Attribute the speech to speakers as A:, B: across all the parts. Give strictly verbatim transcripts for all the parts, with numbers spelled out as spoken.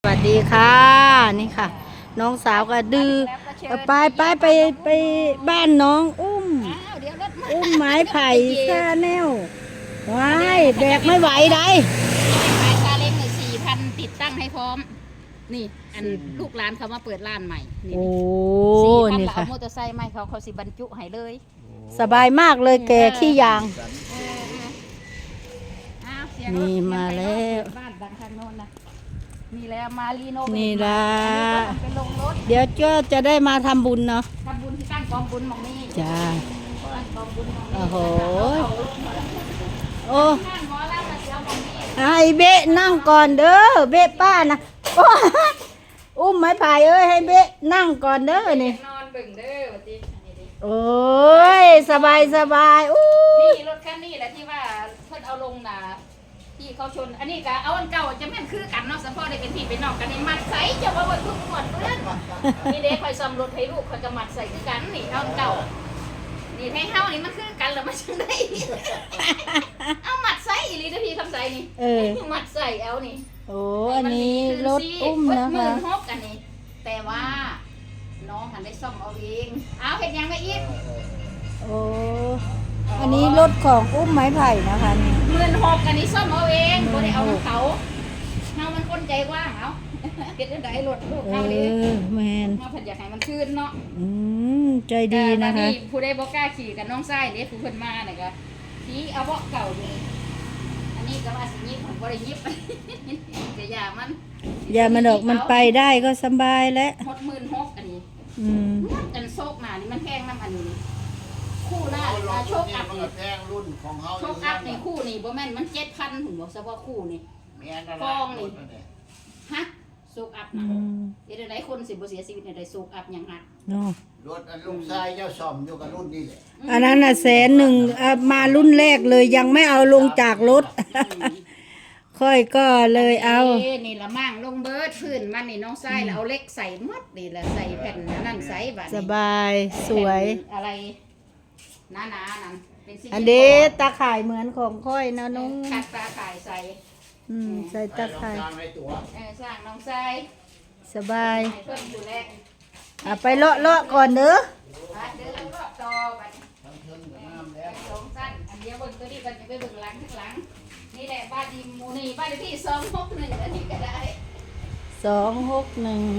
A: วัสดีค่ะนี่ค่ะน้องสาวก็ดื้อไปไปไปไปบ้านน้องอุ้มอุ้มไม้ไผ่ซาแนวว้ายแบกไม่ไหวได้
B: ขายซาเล้งเลยสี่พันติดตั้งให้พร้อมนี่อันลูกร้านเขามาเปิดร้านใหม่นี่
A: โอ้
B: นี่
A: ค่ะ
B: มอเตอร์ไซค์ใหม่เขาเขาสิบรรจุให้เลย
A: สบายมากเลยแกขี้ยางนี่มาแล้ว
B: บ้านดังทางโน้นนะนี่แล้วมาลีโน
A: นี่ละ
B: เป็นลงรถ
A: เดี๋ยวก็จะได้มาทำบุญเนาะ
B: ทำบุญที่ตั้งกองบุญหมองนี้
A: จ้าโอ้โหโอ้ไอ้เบะนั่งก่อนเด้อเบะป้านะอุ้มไม้ไผ่เอ้ยให้เบะนั่งก่อนเด้อนี่
B: นอนบึ่งเด้อวันนี้
A: โอ้ยสบายสบายอู้
B: นี่รถคันนี้แหละที่ว่าเพิ่นเอาลงน่ะที่เขาชนอันนี้ก็เอาอันเก่าจะแม่นคือกันเนาะสะพอได้เป็นพี่เป็นน้องกันนี่มัดใส่จะว่าวันทุกหมดเพื่อนนี่เด็กคอยซ่อมรถให้ลูกคอยก็มัดใส่คือกันนี่เอาอันเก่านี่ให้เฮานี่มันคือกันแล้วมันจังได๋เอามัดใส่อีหลีเด้อพี่คำใส่นี่เออมัดใส่เอานี่
A: โอ้อันนี้รถอุ้มนะคะ
B: หมื่นหกอันนี้แต่ว่าน้องหันได้ซ่อมเอาเองเอาเฮ็ดยังไงอีก
A: โอ้อันนี้รถของอุ้มไม้ไผ่นะคะนี่
B: หมื่นหกอันนี้ซ่อมเอาเองบ่ได้เอาของเขาเฮามันคนใจกว้างเอาเฮ็ดจังได๋รถลูกเฮานี่
A: เออแม่น
B: เฮาเพิ่นอยากให้มันคืนเนาะ
A: อืมใจดีนะคะ
B: ผู้ใดบ่กล้าขี่กับน้องชายเด้ผู้เพิ่นมาน่ะก็ขี่เอาเบาะเก่านี่อันนี้ก็ว่าสิยิบบ่ได้ยิบจะอย่ามัน
A: อย่ามันดอกมันไปได้ก็สบายแล้ว
B: หกหมื่นหกอันนี้
A: อืม
B: อันโชคหน้านี่มันแพงนำอันนี้คู่หน้าโชคอัพนี่
C: แพงรุ่นของเฮา
B: โชคอัพนี่คู่นี่บ่แม่นมัน เจ็ดพัน หุ่นบ่เฉพาะคู่นี่
C: แม่นอะไร
B: ฟองนี่ฮะโชคอัพนะเดี๋ยวใดคนสิบ่เสียชีวิตในใดโชคอัพหยังหัก
A: เนาะ
C: รถอันลุงชายเจ้าซ่อมอยู่กับรุ่นนี้แหละ
A: อันนั้นน่ะแสนหนึ่งมารุ่นแรกเลยยังไม่เอาลงจากรถค่อยก็เลยเอา
B: นี่ละมั่งลงเบิดพื้นมันนี่น้องชายแล้วเอาเล็กใส่หมดนี่แหละใส่แผ่นนั่นใส่บัด
A: สบายสวย
B: อะไรหนาๆนั่น
A: เป็นสีอันนี้ตาข่ายเหมือนของค่อยนะน้อง
B: คัดตาข่ายใส่
A: อืมใส่ตาข่าย
B: เออสร้างน้องชาย
A: สบาย
B: เพิ่นดูแล
A: อ่ะไปเลาะเลาะก่อนเด้อ
B: เดี๋ยวเราเลาะต่อบัดสองสั้นอันเดียวเบิ่งตัวนี้กันจะไปเบิ่งหลังข้างหลังนี่แหละบ้านดีมูนี่บ้านที่สองหกหนึ่งอันนี้ก็ได้
A: สองหกหนึ่ง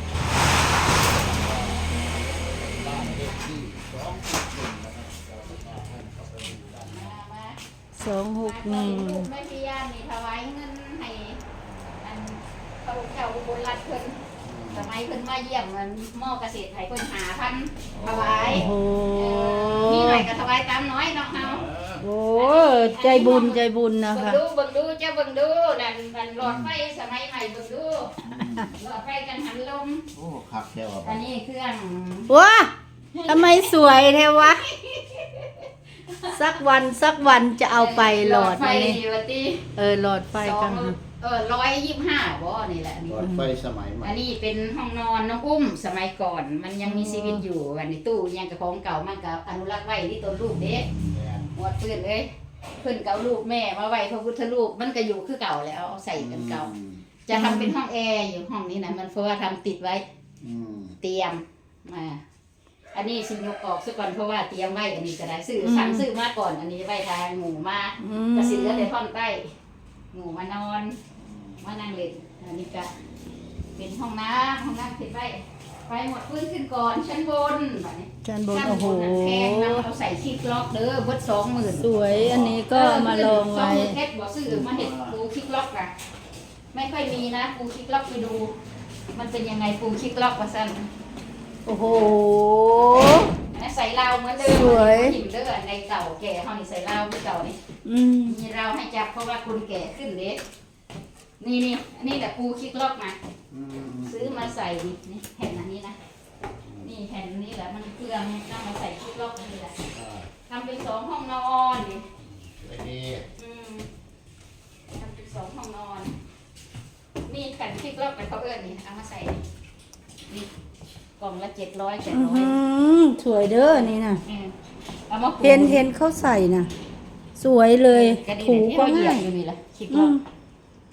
A: สองหกหนึ่ง
B: ไม่พิยานี่ถวายเงินให้อันพระเจ้าอุบลรัตน์เพิ่นสมัยเพิ่นมาเยี่ยมเงินหม้อเกษตรไทยเพิ่นหาพันถวายนี่หน่อยก็ถวายตามน้อยเนาะเฮา
A: โอ้ใจบุญใจบุญนะคะ
B: เบิ่งดูเบิ่งดูเจ้าเบิ่งดูนั่นนั่นหลอดไฟสมัยใหม่เบิ่งดูหลอดไฟกันหันลม
C: โอ้คักแท้ว่ะ
B: อันนี้เครื่อง
A: ว้าทำไมสวยแท้วะสักวันสักวันจะเอาไปหลอด
B: ไฟ
A: เออหลอดไฟกัน
B: เออร้อยยี่สิบห้าบ่นี่แหละ
C: หลอดไฟสมัยใหม่
B: อันนี้เป็นห้องนอนน้องอุ้มสมัยก่อนมันยังมีชีวิตอยู่อันนี้ตู้ยังกับของเก่ามันกับอนุรักษ์ไว้ที่ต้นรูปเด็กหมดเพื่อนเลยเพื่อนเก่ารูปแม่มาไว้พระพุทธรูปมันก็อยู่คือเก่าแล้วใส่กันเก่าจะทำเป็นห้องแอร์อยู่ห้องนี้นะมันเพราะว่าทำติดไว้เตรียมมาอันนี้สิยกออกซะก่อนเพราะว่าเตรียมไว้อันนี้ก็ได้ซื้อสั่งซื้อมาก่อนอันนี้ไว้ทางหมูมาก็สิเหลือแต่ท่อนใต้หมูมานอนมานั่งเล่นอันนี้ก็เป็นห้องน้ำห้องน้ำติดไว้ไปหมดพื้นขึ้นก่อนชั้นบนแบบนี้
A: ชั้นบนโอ้โห
B: แพงนะเราใส่คิกล็อกเด้อเบิดสองหมื่น
A: สวยอันนี้ก็มาลองไว้
B: เฮ็ดบ่ซื้อมาเห็ดปูคิกล็อกอะไม่ค่อยมีนะปูคิกล็อกไปดูมันเป็นยังไงปูคิกล็อกว่าสั้น
A: โอ้โห
B: ใส่ราวเหมือนเดิม
A: สวย
B: หิมเด้อในเก่าแก่เขานี่ใส่ราวที่เก่านี่มีราวให้จับเพราะว่าคนแก่ขึ้นเด็กนี่นี่นี่แต่ปูคิกล็อกมาซื้อมาใส่นี่แผ่นอันนี้นะนี่แผ่นนี้แหละมันเครื่องนำมาใส่คิกล็อกนี่แหละทำเป็นสองห้องนอนนี่ทำเป็นสองห้องนอนนี่แผ่นคิกล็อกไปเขาเอื้อนนี่เอามาใส่นี่กล่องละเจ็ดร้อยแปดร้อย
A: สวยเด้อนี่นะ
B: เห็
A: นเห็นเขาใส่นะสวยเลยถูก็ง่าย
B: คิกล็อกข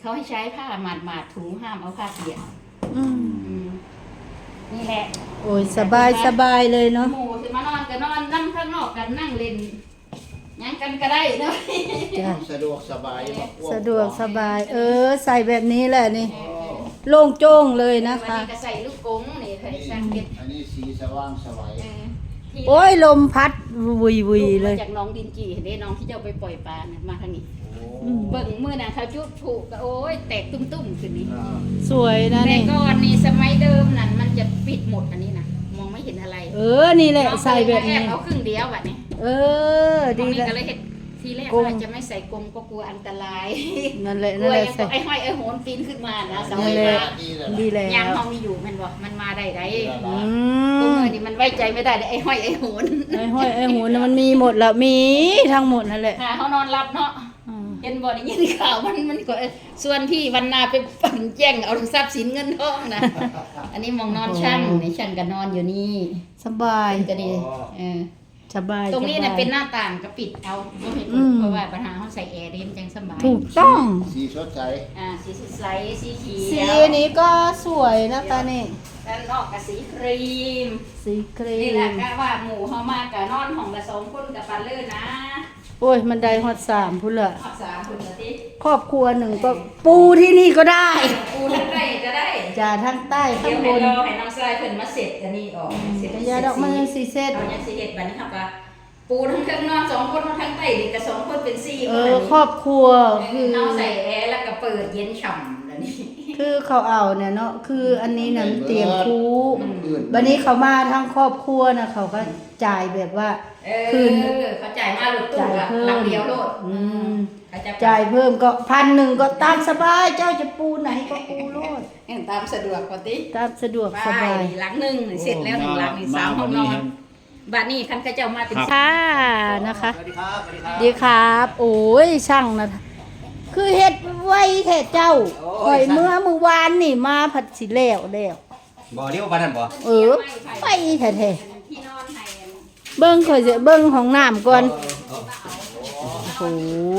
B: เขาให้ใช้ผ้าหมาดๆถูห้ามเอาผ้าเปียก
A: อืม
B: อืมนี่แหละ
A: โอ้ยสบายสบายเลยเนาะ
B: หมู่สิมานอนก็นอนนั่งข้างนอกกันนั่งเล่นหยังกันก็ได้เนาะ
A: จ้ะ
C: สะดวกสบายบ่อ้น
A: สะดวกสบาย เออ ใส่แบบนี้แหละนี่ โล่งโจ้งเลยนะ
B: วัน
A: คะ
B: นี้ก็ใส่ลูกกงนี่เคยสั่งเก็บ
C: อันนี้สีสว่างสวัย
B: เออที่
A: โอ้ยลมพัดวุยวุยเลย
B: มาจากน้องดินจีเด้น้องที่เจ้าไปปล่อยปลาน่ะมาทางนี้
C: โอ้
A: อืม
B: เบิ่งมือน่ะเขาจุดผูกก็โอ้ยแตกตุ้มๆขึ้นนี่
C: อ่า
A: สวยนะ
B: แต่
A: นี่
B: ก่อนนี่สมัยเดิมนั่นมันจะปิดหมดอันนี้นะมองไม่เห็นอะไร
A: เออ นี่แหละใส่แบบนี้
B: น้องก็เลยมาเอาครึ่งเดียวแบบนี้
A: เออ ดี
B: ดี
A: แล้ว
B: ก็เลยเห็นทีแรก
A: กรง
B: ว่าจะไม่ใส่กรงก็กลัวอันตราย
A: นั่นแหละ
B: กลั
A: นั่น
B: ว
A: แหละ
B: ยัง
A: ใส่
B: ไอ้ห้อยไอ้โหนปีนขึ้นมานะเสา
A: นั่
B: ไฟ
A: นแหละ
B: ฟ้า
C: ดีแล้ว
A: ดีแล้
B: ยาง
A: ว
B: เขามีอยู่แมันบอกมันมาได้ได
A: อื
B: พวก
A: ม
B: มือนี่มันไว้ใจไม่ได้เลยไอ้ห้อยไอ้โหน
A: ไอ้ห้อยไอ้หูน่ะมันมีหมดละมีทั้งหมดนั่นแหละ
B: หาเขานอนรับเนาะ
A: อืม
B: เห็นบ่ได้ยินข่าวมันมันก็ส่วนพี่วันนาไปปั่นแจ้งเอาทรัพย์สินเงินทองนะอันนี้มองนอนช่างในช่างก็นอนอยู่นี่
A: สบาย
B: ก็ดีเออ
A: สบาย
B: ตรงนี้
A: ส
B: น่ะ
A: บาย
B: เป็นหน้าต่างก็ปิดเอาไม่เห็น
A: อืม
B: เพราะว่าปัญหาเขาใส่แอร์ได้มันจังสบาย
A: ถูกต้อง
C: สีสดใส
B: อ่าสีสดใสสีเขี
A: สี
B: ยว
A: นี้ก็สวยนะตานี่
B: ด้านนอกกับสีครีม
A: สีครี
B: นี่แหละ
A: ม
B: ก็ว่าหมู่เขามากับนอนห้องละสองคนกับปันเลื่อนนะ
A: โอ้ยมันได้ฮอดสามพุ่นละ
B: ออกสามคนละที่
A: ครอบครัวหนึ่งก็ปูที่นี่ก็ได้
B: ปูทั้งใต้ก็ได้
A: จ่าทั้งใต้
B: เดี๋
A: ข้าย ง
B: ว
A: บ
B: ให้
A: น
B: รอให้น้องชายเพิ่นมาเสร็จอันนี้ออกเสร็จ
A: แต่ยาดอกมันยังสีเซต
B: เอายังสิเฮ็ดบัดนี้ครับว่าปูทั้งเครื่องนอนสองคนนอนทั้งใต้นี่ก็สองคนเป็นสี่
A: เอ
B: คน
A: อ
B: อันนี้
A: ครอบครัวคือ
B: เอาใส่แอร์แล้วก็เปิดเย็นฉ่ำแล้วนี่
A: คือเขาเอาเนี่ยเนาะคืออันนี้น่ะมันเตียงคู
C: อื่น
A: วันนี้เขามาทั้งครอบครัวนะเขาก็จ่ายแบบว่า
B: เออ
A: คืน
B: เขาจ่ายมาหลุดตู้
A: จ่าย
B: อะ
A: เพิ่
B: หลั
A: ม
B: งเดียวโลด
A: อืม
B: เขาจะ
A: จ่ายเพิ่มก็พันหนึ่งก็ตามสบายเจ้าจะปูไหนก็ปูโลด
B: เห็นตามสะดวกกว่าติ
A: ตามสะดวกส
B: ไป
A: บาย
B: หลังหนึ่งเสร็จแล้วหนึ่งหลังนี่สามห้องนอนบ้านนี้คันกระเจ้ามาเป็น
A: ค่ะนะคะ
C: สวัสดีครับสวัสดีครับ
A: ดีครับ โอ้ยช่างนะคือเฮ็ดไว้แท้เจ้าข่อยเมื่อเมื่อวานนี่มาผัดสิแล้วแล้ว
D: บ่เรียกว่าปานนั้นบ่
A: เออไปแท้
B: ที่นอนให้
A: ๆเบิ่งข่อยจะเบิ่งของน้ำก่อนโอ้โห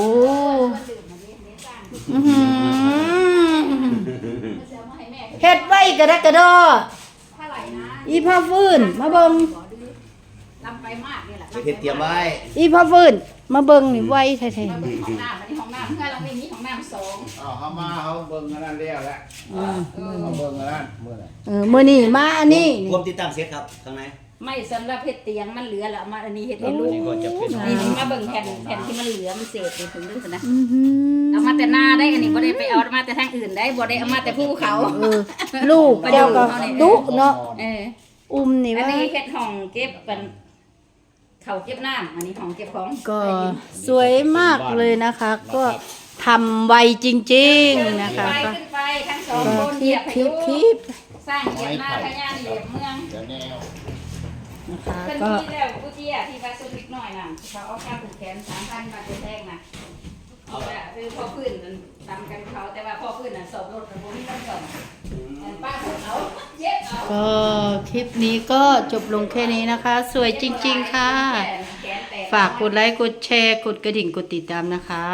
A: อื้อหือเฮ็ดไว้กระดักกระดอ
B: เท่าไหร่นะ
A: อีพ่อฟื้นมาเบิ่ง
B: ลำไปมากนี่แหละ
D: เฮ็ดเตรียมไว้
A: อีพ่อฟื้นมาเบิ่งนี่ไว้แท้
B: มาเบิ่งห้องน้ำอันนี้ห้องน้ำเพื่อนเราไม่มีห้องน้ำสอง
C: เอาเขามาเขาเบิ่งอันนั้นแล้วแหละ
A: ๆอืม
C: เขาเบิ่งอันนั้นเมื่อไหร่
A: เออมื้อนี้มาอันนี้
D: รวมติดตั้งเสร็จครับข้างใน
B: ไม่สำหรับเฮ็ดเตียงมันเหลือแล้วเอามาอันนี้เฮ็ดให้ลูก
D: นี่ก็จะเป็น
B: นี่สิมาเบิ่งแผ่นแผ่นที่มันเหลือมันเศษนี่ถึงด้วยนะ
A: อื้อหือ
B: เอามาแต่หน้าได้อันนี้บ่ได้ไปเอามาแต่ทางอื่นได้บ่ได้เอามาแต่ภูเขา
A: เออลูกเจ้าก็ดุเนาะ
B: เออ
A: อุ้มนี่
B: อัน
A: ว่า
B: นี้เฮ็ดห้องเก็บเป็นเขาเก็บน้ำอันนี้ห้องเก็บของ
A: ก็สวยมากเลยนะคะ ก็ทำไวจริงๆนะคะ
B: ไป
A: ก็
B: ขึ้นไปทั้งสอง
A: ก็
B: คน
A: ค
B: เห
A: ลิ
B: ยีย
A: ป
B: บ
A: คลิปคลิป
B: สร้างเหยียบหน้าพญาเหยียบเมือง
C: จะแนว
A: นะคะ
B: เป็น
A: ก็
B: ที่แล้วกูเจียที่ว่าสุดเล็กน้อยน่ะเขาเอาค่าผูกแขนสามพันบาทไปแทงน่ะเอาละคือพ่อพื้นมันตำกันเขาแต่ว่าพ่อพื้นน่ะสอบรถกับผมนี่ต้องสอบป้าสอบเอาเย็บเอา
A: ก็คลิปนี้ก็จบลงแค่นี้นะคะ สวยจริงๆค่ะ ฝากกดไลค์กดแชร์กดกระดิ่งกดติดตามนะคะ